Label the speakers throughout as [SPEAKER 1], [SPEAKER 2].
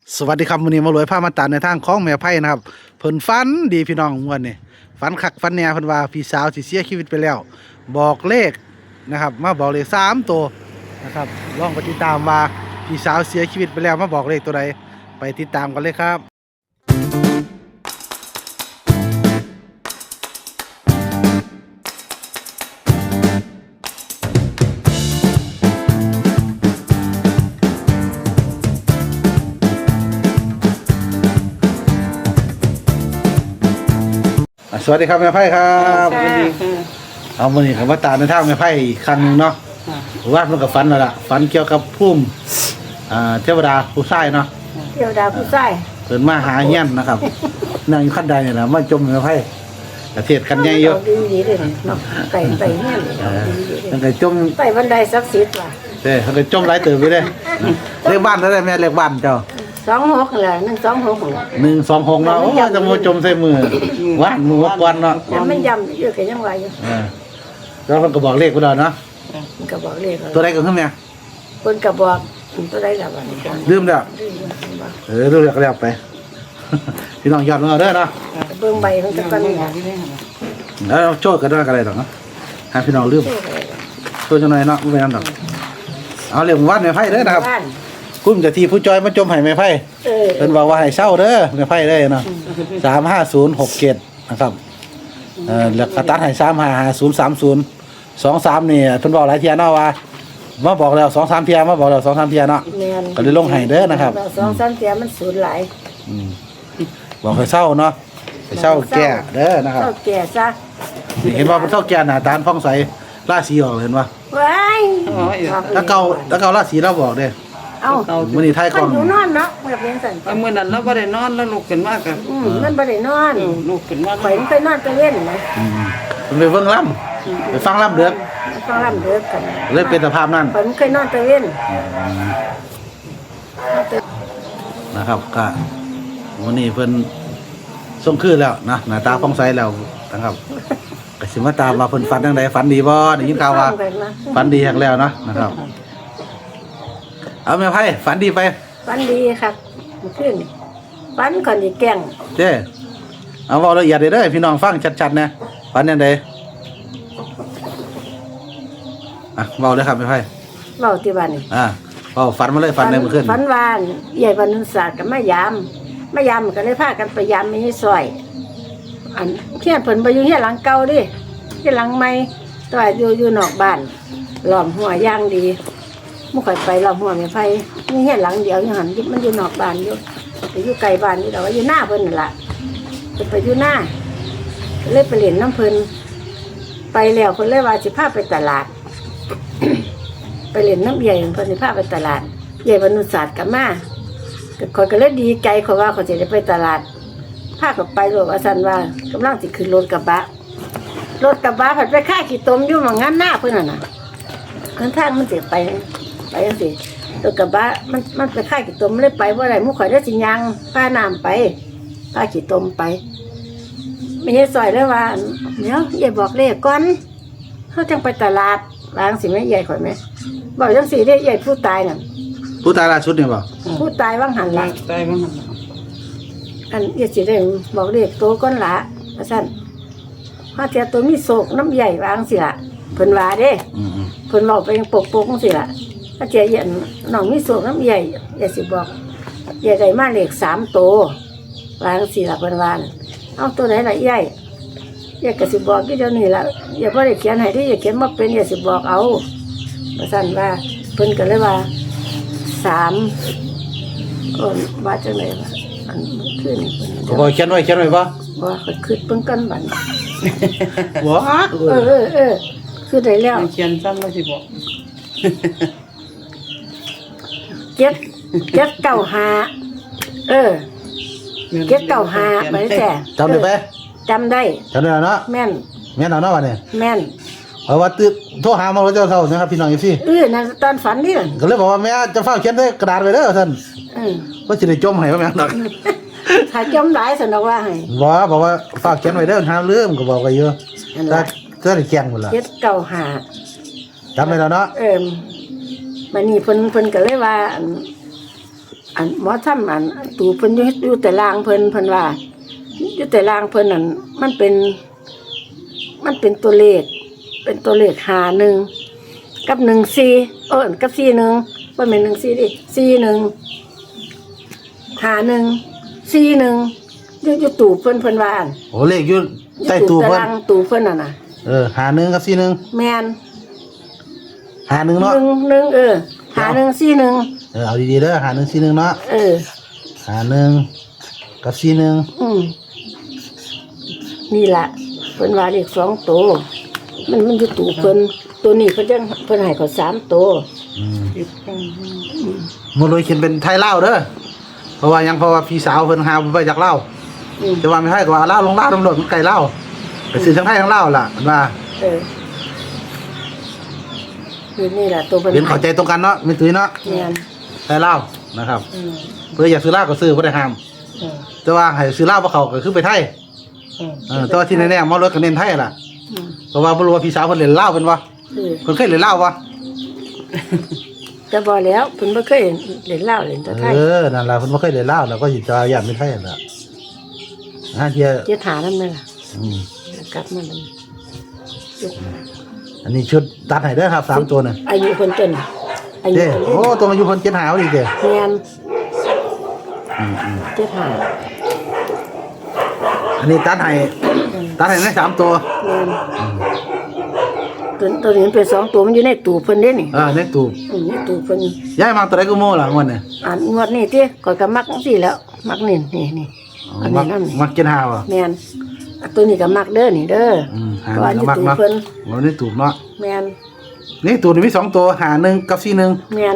[SPEAKER 1] สวัสดีครับวันนี้มารวยผ้ามาตาในทางของแม่ไพ่นะครับเพิ่นฝันดีพี่น้องวันนี้ฝันคักฝันแน่เพิ่นว่าพี่สาวสิเสียชีวิตไปแล้วบอกเลขนะครับมาบอกเลข3ตัวนะครับลองไปติดตามว่าพี่สาวเสียชีวิตไปแล้วมาบอกเลขตัวใดไปติดตามกันเลยครับสวัสดีครับแม่ไพ่ครับเอาวันนี้ผมมาตามในทางแม่ไพ่อีกครั้งหนึ่งเนาะว่ามันกับฝันแล้วล่ะฝันเกี่ยวกับพุ่มเทวดาผู้ชายเนาะ
[SPEAKER 2] เทวดาผู้ชาย
[SPEAKER 1] เพิ่นมาหาเฮียนนะครับนั่งอยู่ขั้นใดเนี่ยนะมาจมแม่ไพ่ประเทศกันใหญ่อยู่
[SPEAKER 2] ดีเลยเนาะไก่เฮียน
[SPEAKER 1] ตั้งแต่จม
[SPEAKER 2] ไต่บันไดศักดิ์สิทธิ์ว่ะ
[SPEAKER 1] ตั้งแต่จมหลายเติบไปเลยเลขบ้านเท่าไหร่แม่เลขบ้านเจ้า
[SPEAKER 2] 26แหละ126
[SPEAKER 1] 126เนาะโอ้จะมาจมใส่มือว่านมือวัดวันเนาะ
[SPEAKER 2] แต่มันย่ำอยู่ก็ยังว่าอยู่
[SPEAKER 1] แล้วเพิ่นก็บอกเลขพุ่นเนาะ
[SPEAKER 2] มันก็บอกเลข
[SPEAKER 1] ตัวใดก็ขึ้นแม่
[SPEAKER 2] เพิ่นก็บอกตัวใดล่ะบัดนี้
[SPEAKER 1] ลืมแล้วลืมแล้วไปพี่น้องยอดมาเด้อเนาะ
[SPEAKER 2] เบิ่งใบมันก็กัน
[SPEAKER 1] แล้วโชดกันได้กันอะไรดอกเนาะให้พี่น้องลืมโชดจังหน่อยเนาะบ่แม่นดอกเอาเรื่องวัดแม่ไผเด้อนะครับคุ้มจะทีผู้จอยมาจมให้แม่ไผเพิ่นบอกว่าให้เช่าเด้อแม่ไผเด้อเนาะ35067นะครับแล้วก็ตัดให้355030 23นี่เพิ่นบอกหลายเที่ยเนาะว่ามาบอกแล้ว 2-3 เที่ยมาบอกแล้ว 2-3 เที่ยเนาะก็เลยลงให้เด้อนะครับ
[SPEAKER 2] 2-3 เที่ยมันสูญหลาย
[SPEAKER 1] บอกให้เช่าเนาะให้เช่าแก่เด้อนะครับ
[SPEAKER 2] เช่าแก่ซะ
[SPEAKER 1] เห็นว่ามันเช่าแก่หน้าตาฟ้องใสราศีออกเห็นป่ะ
[SPEAKER 2] ว้าย
[SPEAKER 1] แล้วเก่าราศีเราบอกเด้
[SPEAKER 2] เอ้า
[SPEAKER 1] มื้อนี้ท้ายกล้อง
[SPEAKER 2] อยู่นอนเนาะแบบนี้สั่น
[SPEAKER 3] มื้อนั้นเราบ่ได้นอนแล้วลุกขึ้นมาก็
[SPEAKER 2] มันบ่ได้นอน
[SPEAKER 3] ลุกขึ้นมา
[SPEAKER 2] ข่อยไปนอนตะเว้นนะ
[SPEAKER 1] มันไปเบิ่งล่ำไปฟังล่ำเด้อ
[SPEAKER 2] ฟังล่ำเด้อกัน
[SPEAKER 1] เลยเป็นสภาพนั้น
[SPEAKER 2] ข่อยเคยนอนตะเว้น
[SPEAKER 1] นะครับก็วันนี้เพิ่นส่งคืนแล้วนะหน้าตาฟ้องใสแล้วนะครับก็สิมาตามว่าเพิ่นฝันจังไดฝันดีบ่ได้ยินข่าวว่าฝันดีฮักแล้วเนาะนะครับเอาแม่ไพ่ฝันดีไป
[SPEAKER 2] ฝันดีครับขึ้นฝันก่อนสิแกล้ง
[SPEAKER 1] เจ้เอาเว้าละเอียดเด้อพี่น้องฟังชัดๆนะฝันจังไดเว้าเลยครับแม่ไพ่
[SPEAKER 2] เว้าที่บ้านนี่
[SPEAKER 1] เว้าฝันมาเลยฝันได้เมื่อคืน
[SPEAKER 2] ฝันว่าใหญ่บรรณุศาสตร์ก็มายามก็เลยพากันไปยามมีซอยอันเฮียนเพิ่นบ่อยู่เฮียนหลังเก่าดิเฮียนหลังใหม่แต่ว่าอยู่นอกบ้านล้อมหัวย่างดีบ่ค่อยไปล้อมหัวแม่ไผมีเฮียนหลังเดียวอยู่หั่นมันอยู่นอกบ้านอยู่ไปอยู่ไกลบ้านนี่ดอกว่าอยู่หน้าเพิ่นนั่นล่ะไปอยู่หน้าเลยไปเล่นน้ำเพิ่นไปแล้วเพิ่นเลยว่าสิพาไปตลาด ไปเล่นน้ำใหญ่เพิ่นสิพาไปตลาดใหญ่บรรณุศาสตร์ก็มาข่อยก็เลยดีใจเขาว่าเขาจะได้ไปตลาดพาเขาไปโลกอาสันว่ากำลังสิขึ้นรถกระบะผัดไปค่ายขี้ต้มอยู่หม้องงานหน้าเพิ่นน่ะข้างทางมันสิไปจังซี่รถกระบะมันไปค่ายขี้ต้มเลยไปบ่ได้หมู่ข่อยได้สิย่างพาน้ำไปพาขี้ต้มไปไม่ใช่ซอยเลยว่าเดี๋ยวอย่าบอกเลขก่อนเฮาจังไปตลาดวางสิแม่ใหญ่ข่อยแม่บอกจังซี่เด้ใหญ่ผู้ตายน่ะ
[SPEAKER 1] ผู้ตายล่าสุดเนี่ยบ่
[SPEAKER 2] ผู้ตายว่างหันละ
[SPEAKER 3] ตายว่างหัน
[SPEAKER 2] อันอย่าสิได้บอกเด็กโตก้อนละว่าซั่นฮาเทียตัวมีโศกน้ำใหญ่วางสิล่ะเพิ่นว่าเด้เพิ่นเว้าไปปกจังซี่ล่ะฮาเทียเห็นน้องมีโศกน้ำใหญ่อย่าสิบอกอย่าได้มาเลข3ตัววางสิล่ะเพิ่นว่าเอาตัวไหนล่ะใหญ่อย่าก็สิบอกอยู่เดี๋ยวนี้ล่ะอย่าบ่ได้เขียนให้ดิอย่าเขียนมาเป็นอย่าสิบอกเอาว่าซั่นว่าเพิ่นก็เลยว่า3ว่าจังได๋ว่าอันขึ้น
[SPEAKER 1] บ่เขียนไว้บ่
[SPEAKER 2] บ่ก็คิดเพิ่นกันบัด
[SPEAKER 1] บ่
[SPEAKER 2] คือได้แล้ว
[SPEAKER 3] เขียนซ้ำว่าสิบอก
[SPEAKER 2] 795 795ไปแท้
[SPEAKER 1] จำได้ไหม
[SPEAKER 2] จำได้
[SPEAKER 1] เนาะ
[SPEAKER 2] แม่น
[SPEAKER 1] เอาเนาะว่าเนี่ย
[SPEAKER 2] แม่น
[SPEAKER 1] เพราะว่าโทรหามาแล้วเจ้าเฒ่านะครับพี่น้องอีซี่
[SPEAKER 2] นั่นตอนฝันนี่
[SPEAKER 1] ก็เลยบอกว่าแม่จะเฝ้าเขียนใส่กระดาษไว้เด้อท่านว่าสิได้จมให้บ่แม่นดอก
[SPEAKER 2] ถ้าจมหลายซั่นดอกว่าให้
[SPEAKER 1] บอกว่าฝากเขียนไว้เด้อหาลืมก็บอกไว้อยู่ถ้าได้แจ้งหมดล่ะ
[SPEAKER 2] 795
[SPEAKER 1] จำได้แล้วเนาะ
[SPEAKER 2] บัดนี้เพิ่นก็เลยว่าอันหมอทำอันตูเพิ่นอยู่แต่ลางเพิ่นว่าอยู่แต่ลางเพิ่นนั่นมันเป็นตัวเลขเป็นตัวเลข51กับ14กับ41บ่แม่น14ดิ41 41อยู่ตู่เพิ่นว่า
[SPEAKER 1] โอ้เลขอยู่ใต้ตู้
[SPEAKER 2] ตา
[SPEAKER 1] เพิ่น
[SPEAKER 2] รางตู่เพิ่นน่ะนะ
[SPEAKER 1] 51กับ41
[SPEAKER 2] แม่น
[SPEAKER 1] 51เนาะ
[SPEAKER 2] 51
[SPEAKER 1] เอาดีๆเด้อ5141เนาะ51กับ41
[SPEAKER 2] นี่ล่ะเพิ่นว่าเลข2ตัวมันอยู่ตู่เพิ่นตัวนี้เพิ่นให้เขา3ตัว
[SPEAKER 3] ติดกัน
[SPEAKER 1] มื้อเลยเขียนเป็นไทยลาวเด้อเพราะว่าพี่สาวเพิ่นหาไปจากลาว แต่ว่าไม่ให้ก็ว่าลาวลงลาวตำรวจมันไกลลาวไปซื้อทั้งไทยทั้งลาวล่ะมันว่า
[SPEAKER 2] นี่ล่ะตัวเพิ่น
[SPEAKER 1] เป็นเข้าใจตรงกันเนาะมีตุ้ยเนาะ
[SPEAKER 2] แม่น
[SPEAKER 1] ไทยลาวนะครับเพื่ออยากซื้อลาวก็ซื้อบ่ได้ห้ามแต่ว่าให้ซื้อลาวบ่เข้าก็คือไปไทยแต่ว่าที่แน่ๆหมอรถก็เน้นไทยล่ะเพราะว่าบ่รู้ว่าพี่สาวเพิ่นเล่นลาวเพิ่นบ่เพิ่นเคยเล่นลาวบ่
[SPEAKER 2] จะบ่แล้วเพิ่นบ่เคยเล่นลาวเล่นแต่ไทย
[SPEAKER 1] นั่นล่ะเพิ่นบ่เคยเล่นลาวแล้วก็สิจะย่านเป็นไทยนั่นล่ะเที่ย
[SPEAKER 2] เจ้าฐานนั่นแม่ล่ะกลับมาแล้ว
[SPEAKER 1] อันนี้ชุดตัดให้เด้อครับ3ตัวน่ะ
[SPEAKER 2] อายุคนจนอายุ
[SPEAKER 1] เด้
[SPEAKER 2] คน
[SPEAKER 1] โอ้ตัวมาอยู่เพิ่น7หาวดิเด้
[SPEAKER 2] แม่นเจ้าฐาน
[SPEAKER 1] อันนี้ตัดให้ได้3ตัว
[SPEAKER 2] แม่นตัวนี้มันเป็น2ตัวมันอยู่ในตู้เพิ่นเด้นี่
[SPEAKER 1] ในตู้
[SPEAKER 2] ในตู้เพิ่น
[SPEAKER 1] ย้ายมาตัวใดก็โม่ล่ะงวดนี้
[SPEAKER 2] งวดนี้ติข่อยก็มักจังซี่แล้วมักนี่อันนี้นำ
[SPEAKER 1] มัก7หาวอ่ะ
[SPEAKER 2] แม่นตัวนี้ก็มักเด้อนี่เด้อ
[SPEAKER 1] หา1ก็มักเนาะมันนี่ตู้เนาะ
[SPEAKER 2] แม่น
[SPEAKER 1] นี่ตู้นี่มี2ตัวหา1กับ41
[SPEAKER 2] แม่น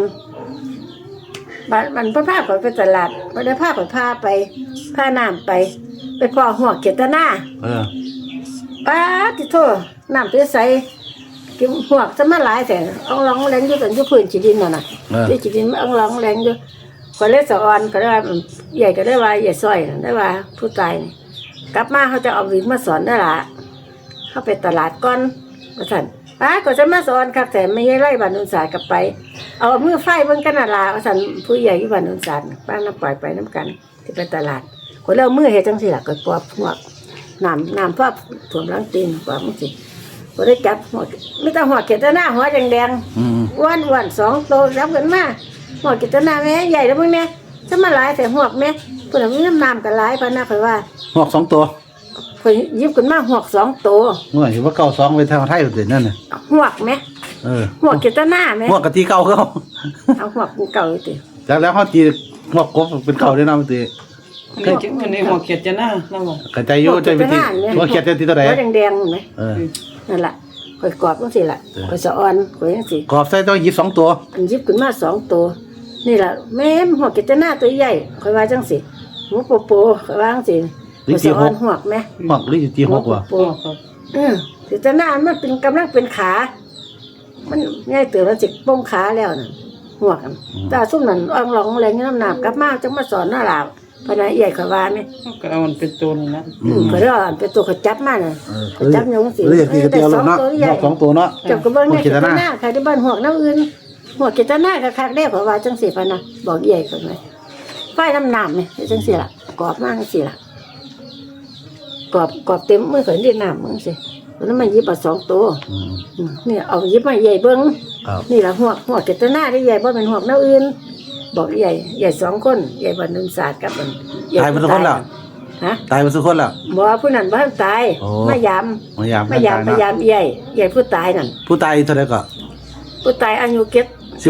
[SPEAKER 2] มันเพิ่นพาข่อยไปตลาดบ่ได้พาข่อยพาน้ำไปพ่อหัวเกตนา ป้าติโทน้ำใสกินหวกจะมาหลายแต่เอาร้องแรงอยู่กันอยู่พื้นจีดินน่ะที่จีดินเอาร้องแรงอยู่ก็เลยสะออนก็ได้ว่าใหญ่ก็ได้ว่าใหญ่ซอยได้ว่าผู้ตายนี่กลับมาเขาจะเอาวิกมาสอนได้ละเข้าไปตลาดก่อนว่าซั่นป้าก็จะมาสอนครับแต่ไม่ไล่บ้านอุนสากลับไปเอามือไฟเบิ่งกันน่ะล่ะว่าซั่นผู้ใหญ่อยู่บ้านอุนสาป้าน้ำปล่อยไปน้ำกันที่ไปตลาดคนเรามือเฮ็ดจังซี่ล่ะก็ปอบหวกน้ำพอถ่วมหลังตีนปอบมันสิบ่ได้จับหัวไม่ต้องหัวเกตนาหัวแดงๆอ้วนๆ2โตรับกันมาหัวเกตนาแม่ใหญ่แล้วมึงเนี่ยจะมาหลายแต่หัวแม่เพิ่นมีน้ำกันหลายพะนะข่อยว่า
[SPEAKER 1] หอก2ตัว
[SPEAKER 2] ข่อยหยิบขึ้นมาหัว2โต
[SPEAKER 1] เมื่อเห็นว่าเก่า2ไปทางไทยอยู่นั่นน่ะ
[SPEAKER 2] หัวแม่หัวเกตนาแม่
[SPEAKER 1] หอกกะทิเก่าเขา
[SPEAKER 2] เอาหัวเก่าติ
[SPEAKER 1] จากแล้วเฮาตีหอกกบเป็นเก่าได้นำติ
[SPEAKER 3] นี่จึงอันนี้หัวเขียดจะหน้านั่นบ่
[SPEAKER 1] กระจายอยู่ใจวิธีว่าเขียดที่ตัวใด
[SPEAKER 2] หัวแดงๆแม่ นั่นล่ะข่อยกรอบจังซี่ล่ะข่อยสะออนข่อยจังซี่
[SPEAKER 1] กรอบใส่ต้องหยิบ2ตัว
[SPEAKER 2] อันหยิบขึ้นมา2ตัวนี่ล่ะแม่หัวเกตนาตัวใหญ่ข่อยว่าจังซี่หัวโปข่อยว่าจังซี่ข่อยสะออนหัวแม่
[SPEAKER 1] หอกหรือตีหอกว่ะ
[SPEAKER 2] โปเกตนามันเป็นกำลังเป็นขา มันง่ายเตือนมันสิป้งขาแล้วน่ะหัวกันตาซุ่มนั่นอ่องร้องแรงน้ำหนักกลับมาจังมาสอนน่าลาวพนักใหญ่ข่อยว่าแม่
[SPEAKER 3] ก็เอามันเป็นตัวนี่นะ
[SPEAKER 2] ข่อยรอเป็นตัวข่อยจับมาน่ะข่อยจับยงสิ
[SPEAKER 1] หรืออยากตีกระเตียวลงเนาะหอก2ตัวเนาะ
[SPEAKER 2] จับกระเบื้องเนี่ยเกตนาใครที่บ้านหัวน้ำอื่นหัวเกตนาคักๆได้ข่อยว่าจังซี่พะนะบอกใหญ่ข่อยไหมไฟน้ำนี่จังซี่ล่ะกรอบมากจังซี่ล่ะกรอบเต็มมือข่อยเรียกน้ำมึงสิแล้วมันหยิบมา2ตัวนี่เอาหยิบมาใหญ่เบิ่ง นี่ล่ะหัวเกตนาได้ใหญ่บ่เป็นหัวน้ำอื่นบอกใหญ่2คนใหญ่บ้านนุนศาสตร์กับมัน
[SPEAKER 1] ตายเป็นคนแล้ว
[SPEAKER 2] ฮะ
[SPEAKER 1] ตายเป็นคนแล้ว
[SPEAKER 2] บ่ผู้นั้นบ่ทันตายมายาม
[SPEAKER 1] พยายาม
[SPEAKER 2] พยายามใหญ่ผู้ตายนั่น
[SPEAKER 1] ผู้ตายเท่าไหร่ก็
[SPEAKER 2] ผู้ตายอายุเก็ด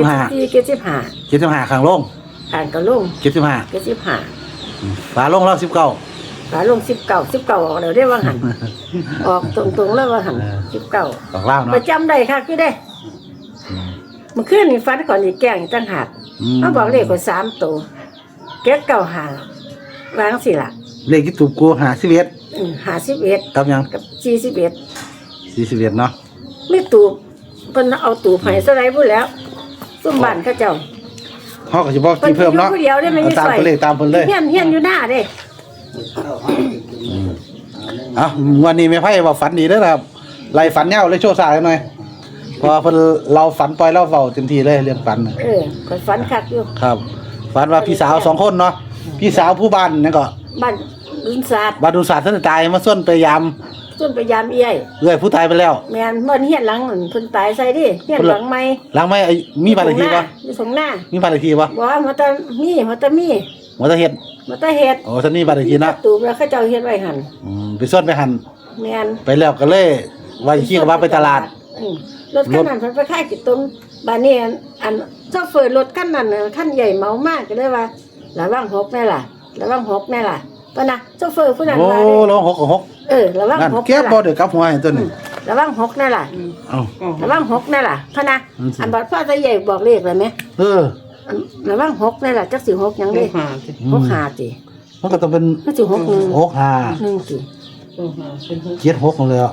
[SPEAKER 1] 15 75ข้างลง
[SPEAKER 2] อ่านก็ลง
[SPEAKER 1] 75
[SPEAKER 2] 75
[SPEAKER 1] ฝาลงแล้ว19
[SPEAKER 2] ฝาลง19ออกแล้วได้ว่าหัน ออกตรงๆแล้วว่าหัน19
[SPEAKER 1] ของล่าวเนาะ
[SPEAKER 2] ประจำได้ค่ะคือได้เมื่อคืนนี่ฝันก่อนนี่แกล้งตั้งหากเขาบอกเลขก็3ตัวเก็ด95วางสิล่ะ
[SPEAKER 1] เลขที่ถูกกู51
[SPEAKER 2] 51
[SPEAKER 1] กับหยัง
[SPEAKER 2] กับ41
[SPEAKER 1] 41เนาะ
[SPEAKER 2] ไม่ตูบเพิ่นเอาตูบให้ซะไรพูดแล้วซุ่มบ้านเขาเจ้า
[SPEAKER 1] เฮาก็สิบอกที่เพิ่มเนาะ
[SPEAKER 2] พิ่อยู่ผู้เดียวได้ไม่
[SPEAKER 1] ตาม
[SPEAKER 2] ใส่
[SPEAKER 1] ตัวเลขตามเพิ่นเลย
[SPEAKER 2] เฮียนอยู่หน้าเด้
[SPEAKER 1] วันนี้แม่ไผว่าฝันดีเด้อครับไล่ฝันยาวเลยโชว์สายหน่อยเพราะว่าเพิ่นเราฝันปล่อยเราเฝ้าเต็มที่เลยเรื่องฝันน่ะ
[SPEAKER 2] ข่อยฝันคักอยู่
[SPEAKER 1] ครับฝันว่าพี่สาว2คนเนาะพี่สาวผู้บ้านนั่นก็
[SPEAKER 2] บ้านลุนศาสตร์
[SPEAKER 1] บาดูศาสตร์ท่านตายมาส่วนไปยาม
[SPEAKER 2] ส่วนพยายามเอี้ย
[SPEAKER 1] เอื้อยผู้ตายไปแล้ว
[SPEAKER 2] แม่นเมื่อเฮียนหลังนั่นเพิ่นตายใส่ดิเฮียนหลังใหม่
[SPEAKER 1] หลังไม่มีบ้านเลขที่บ่
[SPEAKER 2] อยู่ตรงหน้า
[SPEAKER 1] มีบ้านเลขที่บ่
[SPEAKER 2] บ่ว่ามันจะมี
[SPEAKER 1] หมอตะเฮ็ด
[SPEAKER 2] มันจะเฮ็ด
[SPEAKER 1] โอ้ท่านนี่บ้านเลขที่นะ
[SPEAKER 2] ตูบแล้วเขาเจ้าเฮ็ดไว้หั่น
[SPEAKER 1] ไปส่วนไปหัน
[SPEAKER 2] แม่น
[SPEAKER 1] ไปแล้วก็เลยว่าสิขี่กับว่าไปตลาด
[SPEAKER 2] อืมรถคันนั้นเพิ่นไปขายกิตรงบ้านนี้อันโซเฟอร์รถคันนั้นน่ะคันใหญ่เมามากก็เลยว่าระวังหกแน่ล่ะระวังหกแน่ล่ะปะนะโซเฟอร์ผู้นั้น
[SPEAKER 1] โอ้
[SPEAKER 2] ว่าเด้
[SPEAKER 1] ร้อง6กับ
[SPEAKER 2] ระวัง
[SPEAKER 1] 6นั่น
[SPEAKER 2] หก
[SPEAKER 1] เก็บบ่เด้อกลับหัวให้ตัวนี้
[SPEAKER 2] ระวังหกแน่ล่ะ
[SPEAKER 1] เอ้า
[SPEAKER 2] ระวังหกแน่ล่ะพะนะ
[SPEAKER 1] อืม
[SPEAKER 2] อันบัดพ่อจะใหญ่บอกเลขเลยไหม
[SPEAKER 1] เออ
[SPEAKER 2] อันระวังหกแน่ล่ะจักสิหกหยัง
[SPEAKER 3] เล
[SPEAKER 2] เด้
[SPEAKER 3] ขหาสิ
[SPEAKER 2] หกหาติ
[SPEAKER 1] มันก็ต้องเป็น
[SPEAKER 2] มันสิหกหนึ่ง
[SPEAKER 1] 6 5
[SPEAKER 2] หนึ่งติ
[SPEAKER 3] เลขหาเป็นหก
[SPEAKER 1] 7 6เลยอ่ะ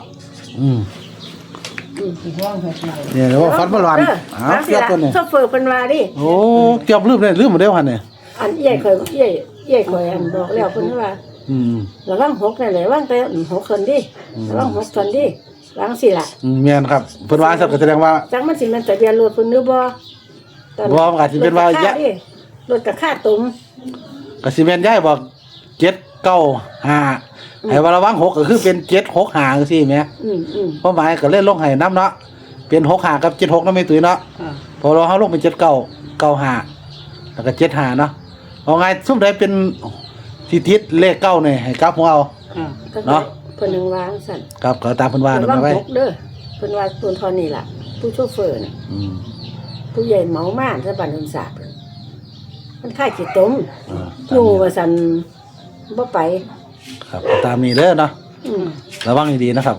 [SPEAKER 3] ว่างหกหน่อย
[SPEAKER 1] เนี่ยแล้วฝันบ่หลอน
[SPEAKER 2] เด้อ
[SPEAKER 1] อ้า
[SPEAKER 2] ฟั
[SPEAKER 1] ว
[SPEAKER 2] งสิ
[SPEAKER 1] เก็บ
[SPEAKER 2] ล่ะ
[SPEAKER 1] ตัวนี้
[SPEAKER 2] โซเฟอร์เพิ่นว่าดิ
[SPEAKER 1] โอ้เก็บลืมเลยลืมหมดแล้วหั่นนี่
[SPEAKER 2] อันใหญ่เคยใหญ่เคยอันบอกแล้วเพิ่นว่า
[SPEAKER 1] อืม
[SPEAKER 2] ระวังหกแน่เลยระวังแต่หกคนดิระวังหกคนดิวางสิล่ะ
[SPEAKER 1] แม่นครับเพิ่นว่าซั่นก็แสดงว่า
[SPEAKER 2] จังมันสิแม่นทะเบียนรถเพิ่นหรือบ่ตอน
[SPEAKER 1] บ่มันอาจสิเป็นว่ายะ
[SPEAKER 2] รถกับค่าตุ่ม
[SPEAKER 1] ก็สิแม่นยายบอก795ให้ว่าระวัง6ก็คือเป็น765จังซี่แหม เพราะหมายก็เล่นลงให้น้ำเนาะเป็น65กับ76นำไม่ตุ้ยเนาะ
[SPEAKER 3] ค่ะ
[SPEAKER 1] พอเราเฮาลงเป็น7995แล้วก็75เนาะเอาไงซุมใดเป็นที่ติดเลขเก้านี่ให้กลับหัวเอา
[SPEAKER 3] ค่ะ
[SPEAKER 1] เนาะ
[SPEAKER 2] เพิ่นนึงวางสั่น
[SPEAKER 1] ครับก็ตามเพิ่นว่า
[SPEAKER 2] ระ
[SPEAKER 1] นั่
[SPEAKER 2] วัง
[SPEAKER 1] นไว้
[SPEAKER 2] หกเด้อเพิ่นว่าตัวทอนนี่ล่ะผู้โชเฟอร์น่ะ
[SPEAKER 1] อืม
[SPEAKER 2] ผู้ใหญ่เมามากซะบัดนั้นสาบมันค่ายขี้ต้ม
[SPEAKER 1] ตาม
[SPEAKER 2] อยู่
[SPEAKER 1] นี้
[SPEAKER 2] ว่าซั่นบ่ไป
[SPEAKER 1] ครับตามนี้เด้อเนาะ
[SPEAKER 2] อืม
[SPEAKER 1] ระวังดีๆนะครับ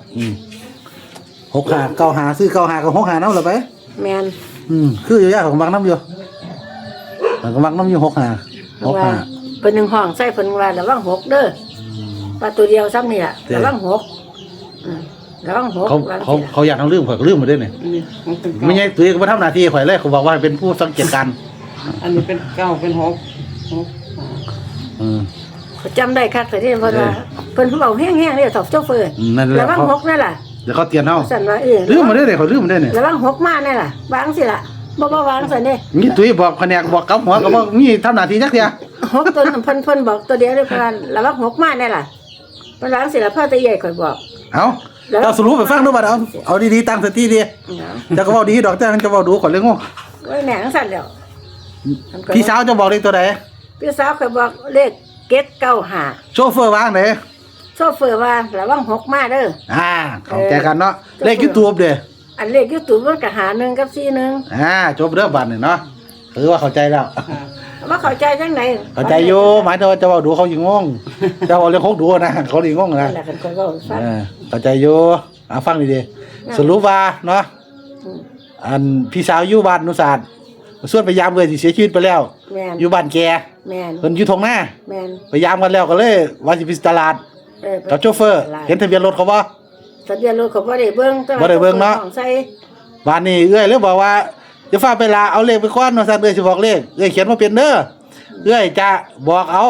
[SPEAKER 1] 65 95ซื้อ95กับ65นำล่ะไป
[SPEAKER 2] แม่น
[SPEAKER 1] คืออยู่ยากของมักน้ำอยู่มันก็มักน้ำอยู่65
[SPEAKER 2] ว่า
[SPEAKER 1] 65
[SPEAKER 2] เพิ่นนึงห้องใส่เพิ่นว่าระวังหกเด้อว่าตัวเดียวซ้ำนี่ล่ะระวังหกระวังหก
[SPEAKER 1] เขาอยากทำลืมข่อยก็ลืมมาด้วยเนี่ย
[SPEAKER 3] อันนี้มันเป็น
[SPEAKER 1] ไม่
[SPEAKER 3] เก้า
[SPEAKER 1] ใช่ตัวเองมาทำหน้าที่ข่อยเลยเขาบอกว่าเป็นผู้สังเกตการณ์
[SPEAKER 3] อันนี้เป็นเก้าเป็นหกหกหา
[SPEAKER 1] อืม
[SPEAKER 2] เขาจำได้คักแต่ที่เพิ่นว่าเพิ่นเว้าแห้งๆเลยสอบโชเฟอร์
[SPEAKER 1] นั่นแหละ
[SPEAKER 2] ระวังหกนั่นล่ะ
[SPEAKER 1] เดี๋ยวเขาเตือนเอา
[SPEAKER 2] สั่นว่า
[SPEAKER 1] ลืมมาด้วยเนี่ยเขาลืมมาด้วยเนี่ย
[SPEAKER 2] ระวังหกมาแน่ล่ะวางสิล่ะบ่วางซั่นเด้
[SPEAKER 1] มีตุ้ยบอกแผนกบอกกับหัวก็บอกมีทำหน้าที่จักเดียว
[SPEAKER 2] หกตัวเพิ่นบอกตัวเดียวเลยเพิ่นว่าระวังหกมาแน่ล่ะเพิ่นวางสิล่ะพ่อตาใหญ่ข่อยบอก
[SPEAKER 1] เอาเราสรุปไปฟังดูบัดเอาดีๆตั้งสติดีจะก็บอกดีดอกแต่จะบอกดูข่อยเลยงง
[SPEAKER 2] โอ้ยแหน่งสั่นแล้ว
[SPEAKER 1] พี่สาวจะบอกเลขตัวใด
[SPEAKER 2] พี่สาวข่อยบอกเลข795
[SPEAKER 1] โชเฟอร์วางไหน
[SPEAKER 2] โชเฟอร์ว่าระวังหกมาเด้อ
[SPEAKER 1] เข้าใจกันเนาะเลขยูทูบเด้อ
[SPEAKER 2] อันเลข YouTube มันก็หา1กับ41
[SPEAKER 1] จบเรื่องบัตรเนี่ยเนาะคือว่าเข้าใจแล้ว
[SPEAKER 3] ค่ะ
[SPEAKER 2] ว่าเข้าใจจังได๋
[SPEAKER 1] เข้าใจอยู่หมายถึงว่าจะบอกดูเขายิงงงจะบอกเรื่องเขาดูนะเขายิงงง
[SPEAKER 2] นั่
[SPEAKER 1] นะ
[SPEAKER 2] นแหละกันข่อยเว้าฟัง
[SPEAKER 1] เข้าใจอยู่ฟังดีๆสรุปว่าเนาะ
[SPEAKER 2] อืม
[SPEAKER 1] อันพี่สาวอยู่บ้านนุศาสตร์ส่วนพยายามเลยสิเสียชีวิตไปแล้ว
[SPEAKER 2] แม่น
[SPEAKER 1] อยู่บ้านแก
[SPEAKER 2] แม่น
[SPEAKER 1] เพิ่นอยู่ทงหน้า
[SPEAKER 2] แม่น
[SPEAKER 1] พยายามกันแล้วก็เลยว่าสิไปตลาดกับโชเฟอร์ เห็นทะเบียนรถเขาบ่
[SPEAKER 2] ทะเบียนรถเขาบ่ได้เบิ่งแต่ว่า
[SPEAKER 1] บ่ได้เบิ่งเนาะ
[SPEAKER 2] ของใส่
[SPEAKER 1] บ้านนี้เอื้อยเลยบอกว่าจะฟ้าไปลาเอาเลขไปก่อนว่าซั่นเอื้อยสิบอกเลขเอื้อยเขียนมาเป็นเด้อเอื้อยจะบอกเอา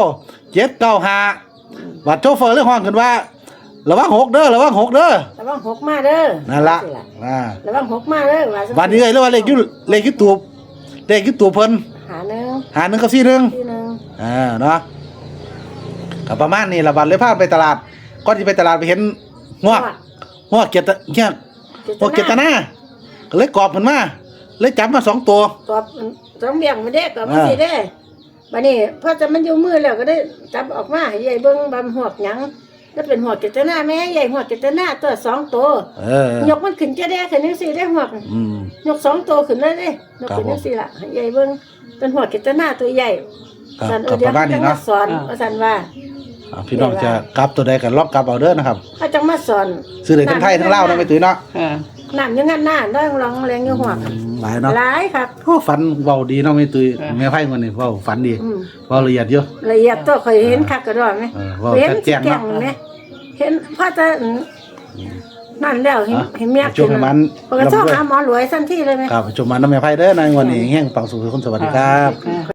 [SPEAKER 1] 795บัดโชเฟอร์เลยฮ้องขึ้นว่าระวัง6เด้อระวัง6เด้อ
[SPEAKER 2] ระวังหกมาเด้อ
[SPEAKER 1] นั่นล่ะ
[SPEAKER 2] ระวังหกมาเด้อว่า
[SPEAKER 1] วันนี้เลยว่าเลขยูทูบเพิ่น
[SPEAKER 2] หาหนึ่ง
[SPEAKER 1] หา1กับ41
[SPEAKER 2] ที่หนึ่ง
[SPEAKER 1] เนาะก็ประมาณนี้ละบัดเลยพาไปตลาดก่อนสิไปตลาดไปเห็นงวกเกียรติเกียรติงวกเกียรตินาก็เลยกอบเพิ่นมาเลยจับมา2ตัว
[SPEAKER 2] ตอบต้องเบี่ยงมาเด้อก็บ่สิเด้บัดนี้พอจะมันอยู่มือแล้วก็ได้จับออกมาให้ใหญ่เบิ่งบำหวกหยังก็เป็นหวกเจตนาแม่ใหญ่หวกเจตนาตัว2ตัวย กมันขึ้นจะได้ขึ้นจังซี่ได้หวก ยก2ตัวขึ้นเลยเด้ยกขึ้นจังซี่ล่ะให้ใหญ่เบิ่งเป็นหวกเจตนาตัวใหญ่
[SPEAKER 1] ครับ
[SPEAKER 2] เดี๋ยว
[SPEAKER 1] ประมาณนี้เนาะ
[SPEAKER 2] สอนว่าซั่นว่า
[SPEAKER 1] พี่น้องจะกลับตัวใดก็ลองกลับเอาเด้อนะครับ
[SPEAKER 2] เขาจังมาสอน
[SPEAKER 1] ซื้อได้ทั้งไทยทั้งลาวนะไม่ตุ้ยเนาะ
[SPEAKER 3] ค่ะ
[SPEAKER 2] น้ำอยังงั้นหน้าน้องร้องแรงอยู่หัว
[SPEAKER 1] หลายเนาะ
[SPEAKER 2] หลายครับ
[SPEAKER 1] โอ้ฝันเว้าดีเนาะไม่ตุ้ยแม่ไผมื้อนี้เว้าฝันดี
[SPEAKER 2] อืม
[SPEAKER 1] เว้าละเอียดอยู่
[SPEAKER 2] ละเอียดตัวเคยเห็นคักกระดอนไหม
[SPEAKER 1] เว้า
[SPEAKER 2] เห็น
[SPEAKER 1] ชัดแจ้ง
[SPEAKER 2] แก่ง
[SPEAKER 1] เนาะ
[SPEAKER 2] ไหมเห็นพ่อจะนั่นแล้วเห็นเมีย
[SPEAKER 1] ช่วงให้มัน
[SPEAKER 2] ปกติชอบหาหมอรวยทันทีเลยไหม
[SPEAKER 1] ครับชมมันน้ำแม่ไผเด้อในวันนี้แห่งปังสุขคนสวัสดีครับ
[SPEAKER 3] ค่ะ